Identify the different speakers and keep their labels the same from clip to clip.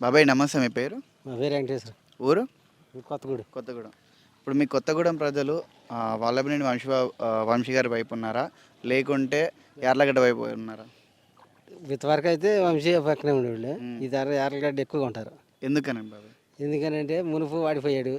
Speaker 1: బాబాయ్ నమస్తే, మీ పేరు?
Speaker 2: మా పేరు వెంకటేశ్వర.
Speaker 1: ఊరు?
Speaker 2: కొత్తగూడెం.
Speaker 1: కొత్తగూడెం. ఇప్పుడు మీ కొత్తగూడెం ప్రజలు వల్లభనేని వంశీ గారి వైపు ఉన్నారా, లేకుంటే యార్లగడ్డ వైపు ఉన్నారా?
Speaker 2: ఇంతవరకు అయితే వంశీ పక్కనే ఉండేవాళ్ళు. ఈ ధర యార్లగడ్డ ఎక్కువగా ఉంటారు.
Speaker 1: ఎందుకనండి బాబాయ్?
Speaker 2: ఎందుకనంటే మునుపు వాడిపోయాడు,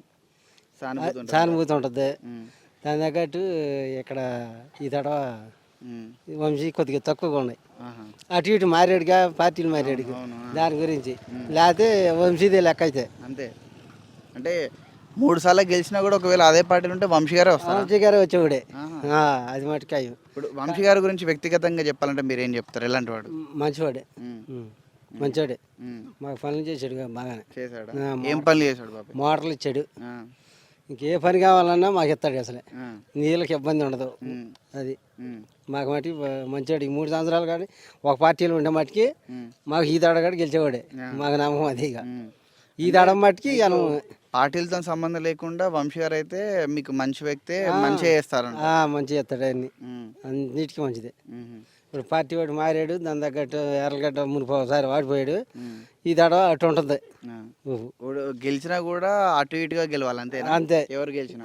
Speaker 1: సానుభూతి
Speaker 2: సానుభూతి ఉంటుంది. దాని తగ్గట్టు ఇక్కడ ఈ తడవ వంశీ కొద్దిగా తక్కువగా ఉన్నాయి. అటు ఇటు మారాడుగా, పార్టీలు మారాడుగా, దాని గురించి. లేకపోతే వంశీదే లెక్క అయితే
Speaker 1: అంతే. అంటే 3 సార్లు గెలిచినా కూడా ఒకవేళ అదే పార్టీలు ఉంటే వంశీ గారే వస్తారు.
Speaker 2: వంశీ గారే వచ్చేవాడే. అది మటుకు
Speaker 1: ఇప్పుడు వంశీ గారి గురించి వ్యక్తిగతంగా చెప్పాలంటే మీరు ఏం చెప్తారు? ఎలాంటి వాడు?
Speaker 2: మంచివాడే, మంచివాడే. మాకు పనులు చేశాడు బాగానే.
Speaker 1: చేశాడు. ఏం పనులు చేశాడు బాబు?
Speaker 2: మోటార్లు ఇచ్చాడు. ఇంకే పని కావాలన్నా మాకు ఇస్తాడు. అసలే నీళ్ళకి ఇబ్బంది ఉండదు. అది మాకు మట్టి మంచివాడు. 3 సంవత్సరాలు కానీ ఒక పార్టీలో ఉండే మట్టికి మాకు ఈ దడగాడు గెలిచేవాడే. మాకు నమ్మకం అది. ఇక ఈ దడ మట్టికి
Speaker 1: పార్టీలతో సంబంధం లేకుండా వంశీ గారు అయితే మీకు మంచి వ్యక్తే, మంచిగా చేస్తారు.
Speaker 2: మంచిగా చేస్తాడు. అన్నిటికీ మంచిదే. ఇప్పుడు పార్టీ వాడు మారాడు, దాని తగ్గట్టు ఎర్రగడ్డ మునిపో ఒకసారి వాడిపోయాడు. ఈ దడ అటు ఉంటుంది.
Speaker 1: గెలిచినా కూడా అటు ఇటుగా గెలవాలి అంతే. అంతే. ఎవరు గెలిచినా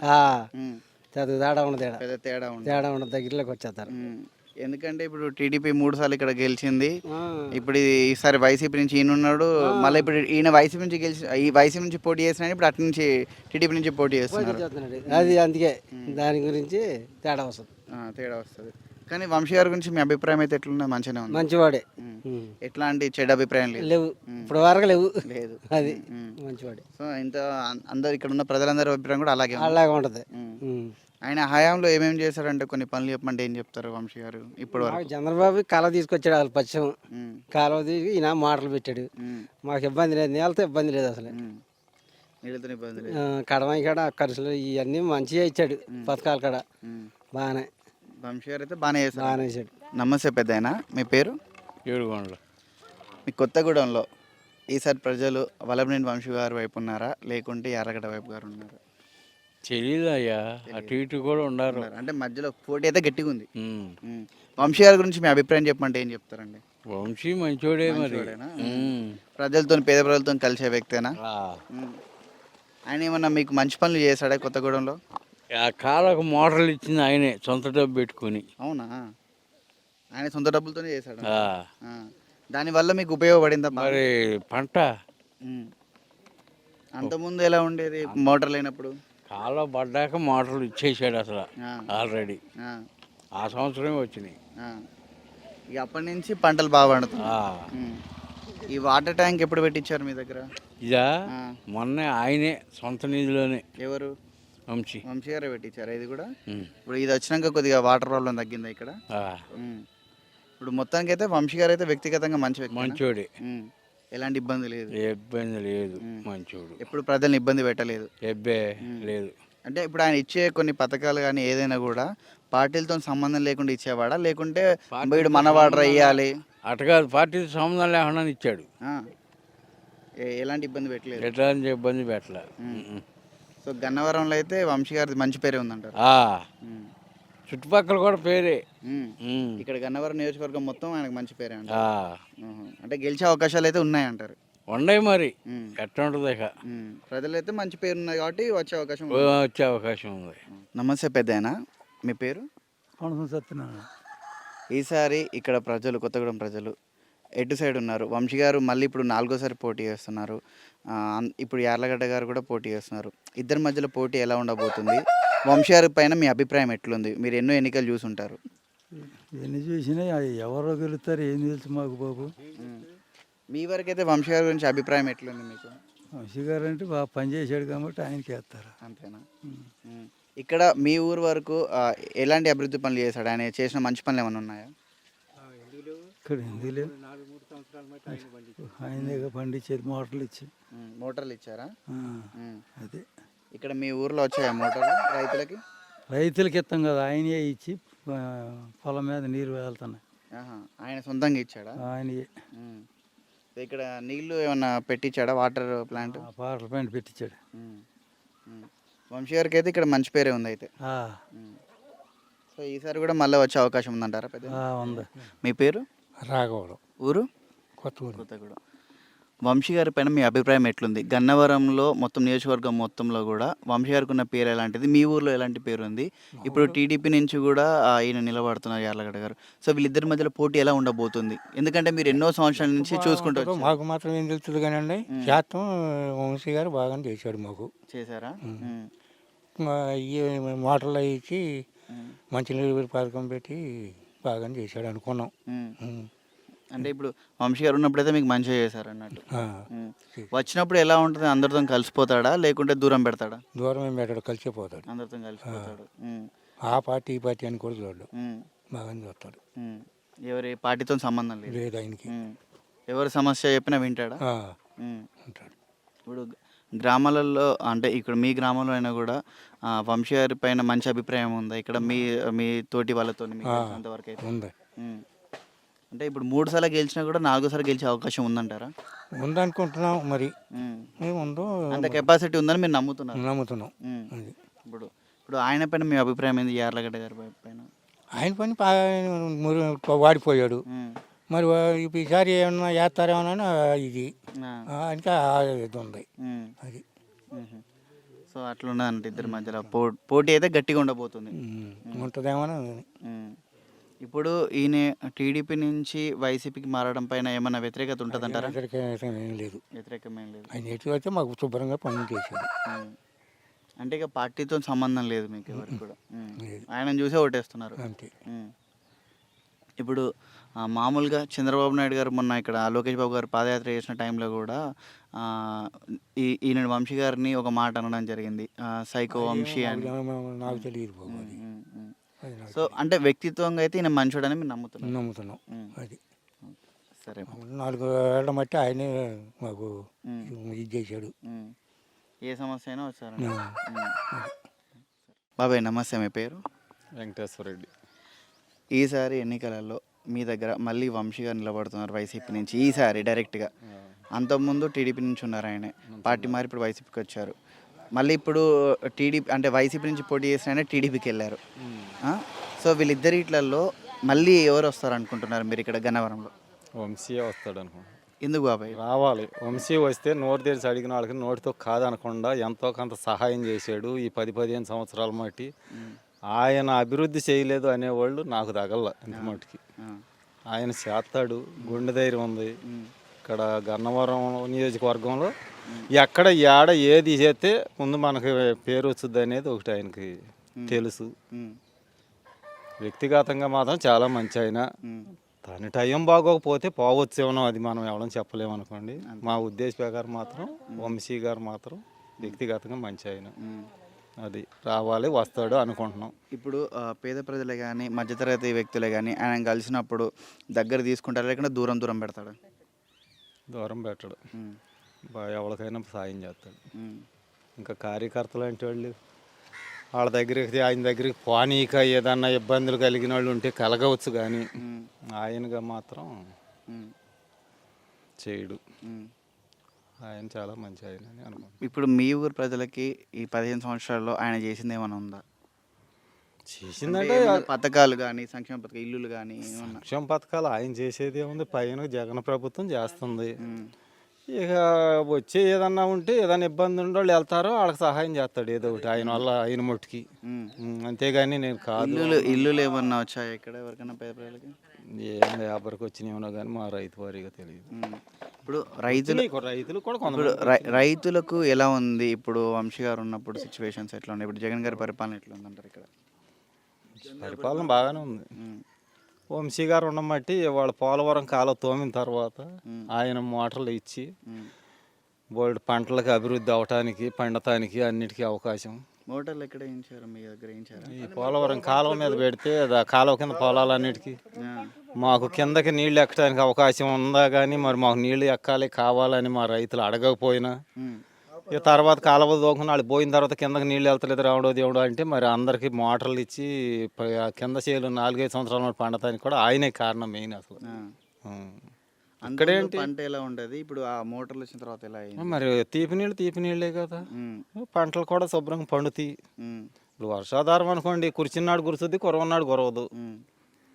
Speaker 2: తేడా ఉండదు.
Speaker 1: తేడా
Speaker 2: ఉండదు. దగ్గరలోకి వచ్చేస్తారు.
Speaker 1: ఎందుకంటే ఇప్పుడు టీడీపీ 3 సార్లు ఇక్కడ గెలిచింది. ఇప్పుడు ఈసారి వైసీపీ నుంచి ఈయన ఉన్నాడు. మళ్ళీ ఇప్పుడు ఈయన వైసీపీ నుంచి ఈ వైసీపీ నుంచి పోటీ చేసిన ఇప్పుడు అటు నుంచి టీడీపీ నుంచి పోటీ చేస్తున్నాడు.
Speaker 2: అది అందుకే దాని గురించి తేడా
Speaker 1: వస్తుంది. కానీ వంశీ గారి గురించి మీ అభిప్రాయం అయితే ఎట్లున్నది? మంచిగానే ఉంది.
Speaker 2: మంచివాడే.
Speaker 1: ఎట్లాంటి చెడు అభిప్రాయం
Speaker 2: లేవు. ఇప్పుడు వరకు లేదు. అది మంచివాడే.
Speaker 1: సో ఇంత అందరు ఇక్కడ ఉన్న ప్రజలందరి అభిప్రాయం కూడా అలాగే
Speaker 2: ఉంటుంది.
Speaker 1: ఆయన హయాంలో ఏమేమి చేశారంటే కొన్ని పనులు చెప్పమంటే ఏం చెప్తారు వంశీ గారు? ఇప్పుడు
Speaker 2: చంద్రబాబు కాలువ తీసుకొచ్చాడు. వాళ్ళు పశ్చిమ కాలువ తీసి ఈయన మాటలు పెట్టాడు. మాకు ఇబ్బంది లేదు, నేలతో ఇబ్బంది లేదు. అసలు
Speaker 1: నీళ్ళతో ఇబ్బంది లేదు.
Speaker 2: కడమాయి కాడ ఖర్చులు ఇవన్నీ మంచిగా ఇచ్చాడు. పథకాలు కాడ బాగానే.
Speaker 1: వంశీ గారు అయితే బాగానే చేశాడు. నమస్తే పెద్దాయన, మీ పేరు?
Speaker 3: ఏడుగొండలు.
Speaker 1: మీ కొత్తగూడెంలో ఈసారి ప్రజలు వల్లభనేని వంశీ గారి వైపు ఉన్నారా, లేకుంటే యార్లగడ్డ వైపు గారు ఉన్నారా?
Speaker 3: తెలీదు అయ్యా, అటు ఇటు కూడా ఉన్నారు.
Speaker 1: అంటే మధ్యలో పోటీ అయితే గట్టిగా ఉంది. వంశీ గారి గురించి మీ అభిప్రాయం చెప్పమంటే ఏం చెప్తారండి?
Speaker 3: వంశీ మంచోడే. మరి
Speaker 1: ప్రజలతో, పేద ప్రజలతో కలిసే వ్యక్తేనా? ఆయన ఏమన్నా మీకు మంచి పనులు చేశాడా కొత్తగూడెంలో?
Speaker 3: ఆ కాలకు మోటార్లు ఇచ్చింది ఆయనే, సొంత డబ్బు పెట్టుకుని.
Speaker 1: అవునా? ఆయన సొంత డబ్బులతోనే చేశాడు. దానివల్ల మీకు ఉపయోగపడిందా?
Speaker 3: మరి పంట
Speaker 1: అంతకుముందు ఎలా ఉండేది మోటార్ లేనప్పుడు?
Speaker 3: కాలువ పడ్డాక మోటార్లు ఇచ్చేసాడు అసలు ఆల్రెడీ. ఆ సంవత్సరమే వచ్చినాయి.
Speaker 1: ఇక అప్పటి నుంచి పంటలు బాగా పండుతాయి. ఈ వాటర్ ట్యాంక్ ఎప్పుడు పెట్టించారు మీ దగ్గర?
Speaker 3: ఇదా మొన్న ఆయనే సొంత నిధిలోనే.
Speaker 1: ఎవరు?
Speaker 3: వంశీ
Speaker 1: గారే పెట్టించారా ఇది కూడా? ఇప్పుడు ఇది వచ్చినాక కొద్దిగా వాటర్ ప్రాబ్లం తగ్గిందా ఇక్కడ? ఇప్పుడు మొత్తానికి అయితే వంశీ గారు అయితే వ్యక్తిగతంగా మంచోడే. ఎలాంటి ఇబ్బంది లేదు. మంచోడు. ఎప్పుడు ప్రజల్ని ఇబ్బంది పెట్టలేదు.
Speaker 3: లేదు.
Speaker 1: అంటే ఇప్పుడు ఆయన ఇచ్చే కొన్ని పథకాలు కానీ ఏదైనా కూడా పార్టీలతో సంబంధం లేకుండా ఇచ్చేవాడా, లేకుంటే వీడు మనవాడరా ఇవ్వాలి
Speaker 3: అటుగా పార్టీతో సంబంధం లేకుండా ఇచ్చాడు?
Speaker 1: ఎలాంటి ఇబ్బంది పెట్టలేదు.
Speaker 3: ఎట్లాంటి ఇబ్బంది పెట్టలే.
Speaker 1: సో గన్నవరంలో అయితే వంశీ గారి మంచి పేరే ఉందంటారు.
Speaker 3: చుట్టుపక్కల కూడా పేరే.
Speaker 1: ఇక్కడ గన్నవరం నియోజకవర్గం మొత్తం ఆయనకు మంచి పేరే అంట. అంటే గెలిచే అవకాశాలు అయితే ఉన్నాయంటారు.
Speaker 3: ఉన్నాయి. మరి ఎట్లా ఉంటుంది ఇక?
Speaker 1: ప్రజలైతే మంచి పేరు ఉన్నది కాబట్టి వచ్చే
Speaker 3: అవకాశం ఉంది.
Speaker 1: నమస్తే పెద్దాయన, మీ పేరు? ఈసారి ఇక్కడ ప్రజలు, కొత్తగూడెం ప్రజలు ఎటు సైడ్ ఉన్నారు? వంశీ గారు మళ్ళీ ఇప్పుడు 4వ సారి పోటీ చేస్తున్నారు. ఇప్పుడు యార్లగడ్డ గారు కూడా పోటీ చేస్తున్నారు. ఇద్దరి మధ్యలో పోటీ ఎలా ఉండబోతుంది? వంశీ గారి పైన మీ అభిప్రాయం ఎట్లుంది? మీరు ఎన్నో ఎన్నికలు చూసుంటారు.
Speaker 4: ఎన్ని చూసినా ఎవరో గెలుస్తారు, ఏం తెలుసు మాకు బాబు.
Speaker 1: మీ వరకు అయితే వంశీ గారి గురించి అభిప్రాయం ఎట్లుంది మీకు?
Speaker 4: వంశీ గారు అంటే బాగా పనిచేసాడు కాబట్టి ఆయనకి వేస్తారు.
Speaker 1: అంతేనా? ఇక్కడ మీ ఊరు వరకు ఎలాంటి అభివృద్ధి పనులు చేశాడు? ఆయన చేసిన మంచి పనులు ఏమైనా ఉన్నాయా?
Speaker 4: ఇక్కడ ఎందుకు లేవు. ఆయన పండించేది
Speaker 1: మోటార్లు ఇచ్చారా?
Speaker 4: అదే.
Speaker 1: ఇక్కడ మీ ఊర్లో వచ్చాయా మోటార్లు రైతులకి?
Speaker 4: రైతులకి ఇస్తాం కదా, ఆయనే ఇచ్చి పొలం మీద నీరు వెళ్తున్నాయి.
Speaker 1: ఆయన సొంతంగా ఇచ్చాడా?
Speaker 4: ఆయనే.
Speaker 1: ఇక్కడ నీళ్లు ఏమన్నా పెట్టించాడా? వాటర్ ప్లాంట్
Speaker 4: పెట్టించాడు.
Speaker 1: వంశీ గారికి అయితే ఇక్కడ మంచి పేరే ఉంది అయితే. సో ఈసారి కూడా మళ్ళీ వచ్చే అవకాశం ఉందంటారా?
Speaker 4: ఉంది.
Speaker 1: మీ పేరు?
Speaker 4: రాఘవరం.
Speaker 1: ఊరు?
Speaker 4: కొత్తగూడెం.
Speaker 1: వంశీ గారి పైన మీ అభిప్రాయం ఎట్లుంది? గన్నవరంలో మొత్తం నియోజకవర్గం మొత్తంలో కూడా వంశీ గారికి ఉన్న పేరు ఎలాంటిది? మీ ఊర్లో ఎలాంటి పేరు ఉంది? ఇప్పుడు టీడీపీ నుంచి కూడా ఈయన నిలబడుతున్నారు యార్లగడ్డ గారు. సో వీళ్ళిద్దరి మధ్యలో పోటీ ఎలా ఉండబోతుంది? ఎందుకంటే మీరు ఎన్నో సంవత్సరాల నుంచి చూసుకుంటూ వచ్చారు.
Speaker 5: మాకు మాత్రం ఏం తెలుస్తుంది కానండి, శాతం వంశీ గారు బాగానే చేశాడు మాకు.
Speaker 1: చేశారా?
Speaker 5: ఈ మోటార్లు అవి ఇచ్చి మంచినీళ్ళు పథకం పెట్టి బాగానే చేశాడు అనుకున్నాం.
Speaker 1: అంటే ఇప్పుడు వంశీ గారు ఉన్నప్పుడైతే మీకు మంచిగా చేశారు అన్నట్టు. వచ్చినప్పుడు ఎలా ఉంటుంది? అందరితో కలిసిపోతాడా లేకుంటే దూరం పెడతాడా?
Speaker 5: దూరం ఏం పెట్టాడు, కలిసిపోతాడు.
Speaker 1: అందరితో కలిసిపోతాడు.
Speaker 5: ఆ పార్టీ ఈ పార్టీ అని కూడా చూడడు, బాగానే చూస్తాడు.
Speaker 1: ఎవరి పార్టీతో సంబంధం లేదు.
Speaker 5: లేదు ఆయనకి.
Speaker 1: ఎవరి సమస్య చెప్పినా వింటాడా?
Speaker 5: ఉంటాడు.
Speaker 1: ఇప్పుడు గ్రామాలలో అంటే ఇక్కడ మీ గ్రామంలో అయినా కూడా వంశీ గారి పైన మంచి అభిప్రాయం ఉందా? ఇక్కడ మీ తోటి వాళ్ళతో అంతవరకు అయితే
Speaker 5: ఉంది.
Speaker 1: అంటే ఇప్పుడు 3 సార్లు గెలిచినా కూడా 4సారి గెలిచే అవకాశం ఉందంటారా?
Speaker 5: ఉందనుకుంటున్నాం, మరి ఏముందో
Speaker 1: అంత కెపాసిటీ ఉందని మీరు నమ్ముతున్నాం.
Speaker 5: అది
Speaker 1: ఇప్పుడు ఆయన పైన మీ అభిప్రాయం ఏంది? యార్లగడ్డ గారి పైన
Speaker 5: ఆయన పని వాడిపోయాడు. మరి ఈసారి ఏమన్నా చేస్తారేమోనని ఇది ఇంకా ఇది ఉంది. అది
Speaker 1: సో అట్లున్నదంటే ఇద్దరి మధ్యలో పోటీ అయితే గట్టిగా ఉండబోతుంది.
Speaker 5: ఉంటుందేమో.
Speaker 1: ఇప్పుడు ఈయన టీడీపీ నుంచి వైసీపీకి మారడం పైన ఏమైనా వ్యతిరేకత ఉంటుందంటారా?
Speaker 5: ఏం లేదు,
Speaker 1: వ్యతిరేకమేం లేదు.
Speaker 5: ఆయన ఎటు అయితే మాకు శుభ్రంగా పనులు చేశాడు.
Speaker 1: అంటే ఇక పార్టీతో సంబంధం లేదు మీకు ఎవరికి కూడా. ఆయన చూసే ఓటేస్తున్నారు
Speaker 5: అంతే.
Speaker 1: ఇప్పుడు మామూలుగా చంద్రబాబు నాయుడు గారు మొన్న ఇక్కడ లోకేష్ బాబు గారు పాదయాత్ర చేసిన టైంలో కూడా ఈయన వంశీ గారిని ఒక మాట అనడం జరిగింది, సైకో వంశీ అని.
Speaker 5: నాకు తెలియదు బాబు అది.
Speaker 1: సో అంటే వ్యక్తిత్వంగా అయితే ఈయన మంచోడని మీరు
Speaker 5: నమ్ముతున్నాం. అది
Speaker 1: సరే.
Speaker 5: 4 ఏళ్ల మట్టి ఆయనే మాకు ఇది చేశాడు.
Speaker 1: ఏ సమస్య అయినా వచ్చారు. బాబాయ్ నమస్తే, మీ పేరు?
Speaker 6: వెంకటేశ్వర రెడ్డి.
Speaker 1: ఈసారి ఎన్నికలలో మీ దగ్గర మళ్ళీ వంశీ గారు నిలబడుతున్నారు వైసీపీ నుంచి ఈసారి డైరెక్ట్గా. అంతకుముందు టీడీపీ నుంచి ఉన్నారు, ఆయనే పార్టీ మారి ఇప్పుడు వైసీపీకి వచ్చారు. మళ్ళీ ఇప్పుడు టీడీపీ అంటే వైసీపీ నుంచి పోటీ చేసిన ఆయన టీడీపీకి వెళ్ళారు. సో వీళ్ళిద్దరిట్లలో మళ్ళీ ఎవరు వస్తారు అనుకుంటున్నారు మీరు ఇక్కడ గన్నవరంలో?
Speaker 6: వంశీ వస్తాడు అనుకుంటున్నాను.
Speaker 1: ఎందుకు బాబాయ్?
Speaker 6: రావాలి. వంశీ వస్తే నోరు తెరిచి అడిగిన వాళ్ళకి నోటితో కాదనకుండా ఎంతో కొంత సహాయం చేశాడు ఈ 10-15 సంవత్సరాల మట్టి. ఆయన అభివృద్ధి చేయలేదు అనేవాళ్ళు నాకు తగల ఇంత మట్టుకి. ఆయన చేస్తాడు, గుండె ధైర్యం ఉంది. ఇక్కడ గన్నవరం నియోజకవర్గంలో ఎక్కడ ఏడ ఏది చేస్తే ముందు మనకి పేరు వచ్చుద్ది అనేది ఒకటి ఆయనకి తెలుసు. వ్యక్తిగతంగా మాత్రం చాలా మంచి ఆయన. తన టైం బాగోకపోతే పోవచ్చేమో, అది మనం ఎవరైనా చెప్పలేము అనుకోండి. మా ఉద్దేశ ప్రకారం మాత్రం వంశీ గారు మాత్రం వ్యక్తిగతంగా మంచి ఆయన. అది రావాలి, వస్తాడు అనుకుంటున్నాం.
Speaker 1: ఇప్పుడు పేద ప్రజలే కానీ మధ్యతరగతి వ్యక్తులే కానీ ఆయన కలిసినప్పుడు దగ్గర తీసుకుంటారా లేకుండా దూరం దూరం పెడతాడు?
Speaker 6: దూరం పెట్టడు, ఎవరికైనా సాయం చేస్తాడు. ఇంకా కార్యకర్తలు అంటే వాళ్ళు వాళ్ళ దగ్గరికి ఆయన దగ్గరికి పోనీక ఏదన్నా ఇబ్బందులు కలిగిన వాళ్ళు ఉంటే కలగవచ్చు, కానీ ఆయనగా మాత్రం చేయడు. ఆయన చాలా మంచి ఆయన అని అనుకుంటున్నాను.
Speaker 1: ఇప్పుడు మీ ఊరు ప్రజలకి ఈ 15 సంవత్సరాల్లో ఆయన చేసింది ఏమైనా ఉందా?
Speaker 6: చేసిందంటే
Speaker 1: పథకాలు కానీ సంక్షేమ పథకాలు, ఇల్లులు కానీ
Speaker 6: సంక్షేమ పథకాలు ఆయన చేసేది ఏముంది, పైన జగన్ ప్రభుత్వం చేస్తుంది. ఇక వచ్చే ఏదన్నా ఉంటే ఏదైనా ఇబ్బంది ఉండే వాళ్ళు వెళ్తారో వాళ్ళకి సహాయం చేస్తాడు ఏదో ఒకటి ఆయన వల్ల, ఆయన మట్టుకి. అంతేగాని నేను కాదు.
Speaker 1: ఇల్లులు ఏమన్నా వచ్చాయి ఇక్కడ ఎవరికైనా పేద ప్రజలకి?
Speaker 6: ఏం ఎవరికి వచ్చినాయేమో కానీ మా రైతు వారిగా తెలియదు.
Speaker 1: ఇప్పుడు రైతులు కూడా రైతులకు ఎలా ఉంది ఇప్పుడు వంశీ గారు ఉన్నప్పుడు సిచ్యువేషన్స్ ఎట్లా ఉన్నాయి? ఇప్పుడు జగన్ గారి పరిపాలన ఎట్లా ఉందంటారు? ఇక్కడ
Speaker 6: పరిపాలన బాగానే ఉంది. వంశీ గారు ఉండబట్టి వాళ్ళ పోలవరం కాలం తోమిన తర్వాత ఆయన మోటార్లు ఇచ్చి బోల్డ్ పంటలకు అభివృద్ధి అవటానికి, పండటానికి అన్నిటికీ అవకాశం.
Speaker 1: మోటార్లు ఎక్కడ వేయించారు? మీ దగ్గర వేయించారు?
Speaker 6: ఈ పోలవరం కాలువ మీద పెడితే కాలువ కింద పొలాలన్నిటికీ మాకు కిందకి నీళ్లు ఎక్కడానికి అవకాశం ఉందా, కానీ మరి మాకు నీళ్లు ఎక్కాలి కావాలని మా రైతులు అడగకపోయినా ఇక తర్వాత కాలువ దోకుని వాళ్ళు పోయిన తర్వాత కిందకి నీళ్ళు వెళ్తలేదు రావడో దేవుడు అంటే మరి అందరికీ మోటార్లు ఇచ్చి కింద చేలు 4-5 సంవత్సరాల పండటానికి కూడా ఆయనే కారణం మెయిన్ అసలు.
Speaker 1: అక్కడేంటి పంట ఎలా ఉండదు? ఇప్పుడు ఆ మోటార్లు వచ్చిన తర్వాత ఎలా అయింది?
Speaker 6: మరి తీపి నీళ్ళే కదా, పంటలు కూడా శుభ్రంగా పండుతాయి. ఇప్పుడు వర్షాధారం అనుకోండి, కురిచినాడు కురుస్తుంది, కురవన్నాడు కురవదు.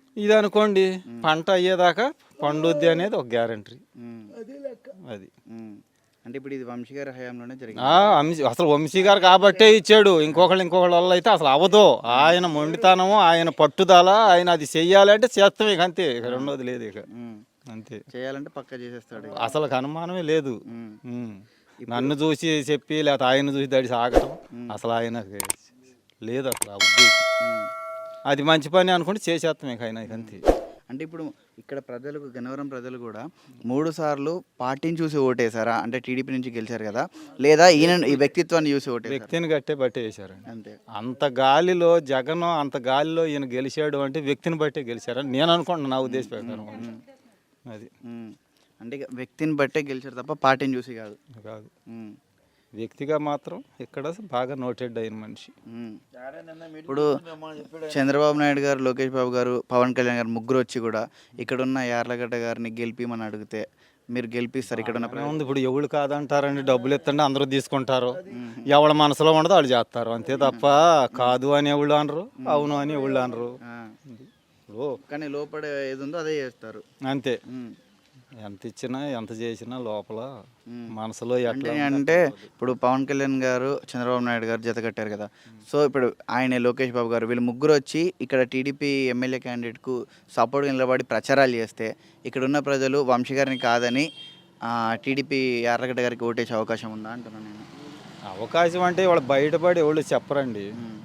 Speaker 6: ఇది అనుకోండి పంట అయ్యేదాకా పండుద్ది అనేది ఒక గ్యారంటీ. అది
Speaker 1: అంటే ఇప్పుడు ఇది వంశీ గారి హయాంలోనే జరిగింది.
Speaker 6: అసలు వంశీ గారు కాబట్టే ఇచ్చాడు. ఇంకొకళ్ళ వల్ల అయితే అసలు అవ్వదు. ఆయన మొండితనము, ఆయన పట్టుదల, ఆయన అది చెయ్యాలంటే చేస్తాం ఇక అంతే, ఇక రెండోది లేదు ఇక అంతే.
Speaker 1: చేయాలంటే పక్క చేసేస్తాడు.
Speaker 6: అసలు అనుమానమే లేదు. నన్ను చూసి చెప్పి లేకపోతే ఆయన చూసి దడి సాగటం అసలు ఆయన లేదు అసలు ఆ ఉద్దేశం. అది మంచి పని అనుకుంటే చేసేస్తాం ఇక ఆయన అంతే.
Speaker 1: అంటే ఇప్పుడు ఇక్కడ ప్రజలకు, గన్నవరం ప్రజలు కూడా 3 సార్లు పార్టీని చూసి ఓటేశారా? అంటే టీడీపీ నుంచి గెలిచారు కదా, లేదా ఈయన ఈ వ్యక్తిత్వాన్ని చూసి ఓటేశారా?
Speaker 6: వ్యక్తిని గట్టే బట్టే వేశారండి
Speaker 1: అంతే.
Speaker 6: అంత గాలిలో జగన్, అంత గాలిలో ఈయన గెలిచాడు అంటే వ్యక్తిని బట్టే గెలిచారని నేను అనుకుంటున్నాను, నా ఉద్దేశ ప్రకారం. అది
Speaker 1: అంటే ఇక వ్యక్తిని బట్టే గెలిచారు తప్ప పార్టీని చూసి కాదు.
Speaker 6: కాదు, వ్యక్తిగా మాత్రం ఇక్కడ బాగా నోటెడ్ అయిన మనిషి.
Speaker 1: ఇప్పుడు చంద్రబాబు నాయుడు గారు, లోకేష్ బాబు గారు, పవన్ కళ్యాణ్ గారు ముగ్గురు వచ్చి కూడా ఇక్కడున్న యార్లగడ్డ గారిని గెలిపిమని అడిగితే మీరు గెలిపిస్తారు? ఇక్కడ ఉన్న
Speaker 6: ఉంది ఇప్పుడు ఎవరు కాదంటారండి, డబ్బులు ఎత్తండి అందరూ తీసుకుంటారు, ఎవరి మనసులో ఉండదో వాళ్ళు చేస్తారు అంతే తప్ప కాదు అని ఎవళ్ళు అనరు, అవును అని ఎవళ్ళు అనరు.
Speaker 1: కానీ లోపల ఏది ఉందో అదే చేస్తారు
Speaker 6: అంతే. ఎంత ఇచ్చినా ఎంత చేసినా లోపల మనసులో ఎట్లా
Speaker 1: అంటే ఇప్పుడు పవన్ కళ్యాణ్ గారు, చంద్రబాబు నాయుడు గారు జత కట్టారు కదా, సో ఇప్పుడు ఆయన లోకేష్ బాబు గారు వీళ్ళు ముగ్గురు వచ్చి ఇక్కడ టీడీపీ ఎమ్మెల్యే క్యాండిడేట్కు సపోర్ట్గా నిలబడి ప్రచారాలు చేస్తే ఇక్కడ ఉన్న ప్రజలు వంశీ గారిని కాదని టీడీపీ యార్లగడ్డ గారికి ఓటేసే అవకాశం ఉందా అంటున్నాను నేను.
Speaker 6: అవకాశం అంటే వాళ్ళు బయటపడి ఎవరు చెప్పరండి,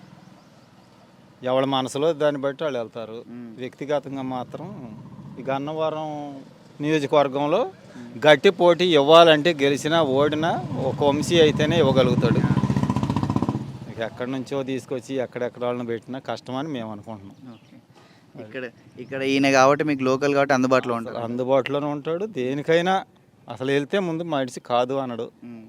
Speaker 6: ఎవరి మనసులో దాన్ని బట్టి వాళ్ళు వెళ్తారు. వ్యక్తిగతంగా మాత్రం ఈ గన్నవరం నియోజకవర్గంలో గట్టి పోటీ ఇవ్వాలంటే గెలిచినా ఓడినా ఒక వంశీ అయితేనే ఇవ్వగలుగుతాడు. ఇక ఎక్కడి నుంచో తీసుకొచ్చి ఎక్కడెక్కడ వాళ్ళని పెట్టినా కష్టమని మేము అనుకుంటున్నాం.
Speaker 1: ఇక్కడ ఈయన కాబట్టి మీకు లోకల్ కాబట్టి అందుబాటులో ఉంటాడు.
Speaker 6: అందుబాటులోనే ఉంటాడు. దేనికైనా అసలు వెళ్తే ముందు మనిషి కాదు అనడు.